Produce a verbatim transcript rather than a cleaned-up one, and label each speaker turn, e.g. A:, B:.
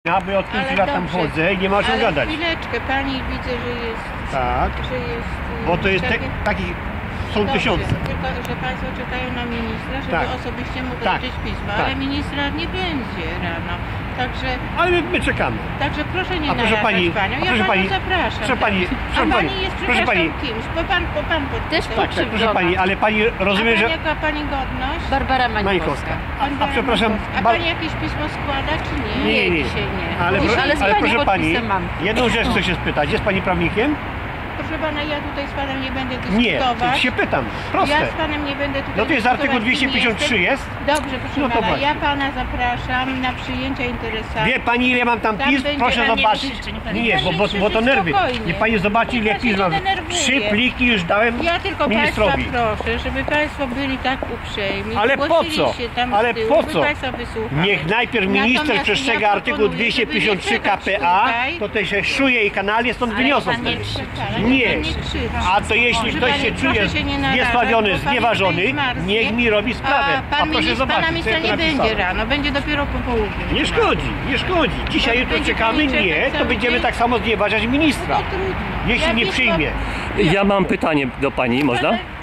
A: Ja bo od pięciu lat tam chodzę i nie ma o czym
B: ale
A: gadać.
B: chwileczkę, pani widzę, że jest...
A: Tak.
B: Że jest
A: Bo to jest te,
B: takie...
A: takich są
B: Dobrze,
A: tysiące.
B: tylko, że państwo czekają na ministra, żeby
A: Tak.
B: osobiście mu
A: Tak.
B: wręczyć pismo,
A: Tak.
B: ale ministra nie będzie rano. Także,
A: Ale my, my czekamy.
B: także proszę nie
A: A proszę
B: narażać
A: pani,
B: panią.
A: a
B: Ja
A: proszę
B: panią
A: pani,
B: zapraszam.
A: proszę pani, proszę
B: a
A: pani,
B: pani jest,
A: proszę pani.
B: kimś, bo pan, bo pan
C: Też
B: podpisał.
A: Tak, tak, proszę pani, ale pani rozumie,
B: A pani,
A: że...
B: jaka pani godność?
C: Barbara
A: Mańkowska.
C: Mańkowska.
A: A, a przepraszam...
B: A
A: ba-
B: pani jakieś pismo składa, czy nie?
A: Nie, nie, nie.
B: Dzisiaj nie.
A: Ale,
C: Już,
A: pro,
C: ale z
A: ale
C: pani
A: proszę pani,
C: podpisem mam.
A: jedną rzecz chcę się spytać. Jest pani prawnikiem?
B: Proszę pana, ja tutaj z panem nie będę
A: Nie,
B: dyskutować.
A: się pytam. Proste.
B: Ja z panem nie będę tutaj
A: No to jest
B: dyskutować,
A: artykuł
B: kim
A: dwieście pięćdziesiąt trzy
B: jestem.
A: jest?
B: Dobrze, proszę
A: No to
B: pana,
A: właśnie.
B: ja pana zapraszam na przyjęcia interesantów.
A: Wie pani, ile mam tam
B: Tam
A: pism?
B: będzie
A: Proszę
B: pan nie
A: zobaczyć.
B: krzyczy, niech
A: Nie,
B: pan
A: nie,
B: nie
A: bo, bo,
B: krzyczy,
A: bo to nerwy.
B: spokojnie.
A: Niech pani zobaczy, ile
B: Niech pan się
A: pism
B: nie
A: mam.
B: denerwuje.
A: Trzy pliki już dałem
B: Ja tylko
A: ministrowi.
B: państwa proszę, żeby państwo byli tak uprzejmi.
A: Ale po
B: zgłosili
A: co?
B: się tam
A: Ale
B: z tyłu,
A: po
B: by
A: co?
B: państwa wysłuchali.
A: Niech najpierw minister
B: Natomiast
A: przestrzega
B: ja
A: artykuł
B: proponuję,
A: dwieście
B: żeby
A: pięćdziesiąt trzy
B: nie
A: K
B: czekać
A: P A,
B: tutaj.
A: to te się szuje i kanalnie stąd wyniosą.
C: pan nie
A: wtedy.
C: krzyczy.
B: Ale
A: Nie.
B: pan nie krzyczy.
A: A to jeśli
B: Proszę
A: ktoś
B: pani,
A: się czuje
B: proszę się nie narażać,
A: zniesławiony,
B: bo pan
A: znieważony,
B: tutaj zmarznie.
A: niech mi robi sprawę.
B: A pan
A: A proszę
B: minister,
A: zobaczyć,
B: pana
A: co
B: ministra
A: ja tu
B: nie będzie
A: napisałem.
B: rano, będzie dopiero po południu.
A: Nie szkodzi, nie szkodzi. Dzisiaj,
B: To
A: jutro
B: będzie
A: czekamy,
B: pani czekać
A: nie, to
B: cały
A: będziemy
B: dzień?
A: tak samo znieważać ministra.
B: No trudno.
A: Jeśli
B: Ja
A: nie
B: pismo-
A: przyjmie.
D: Ja mam pytanie do pani, można?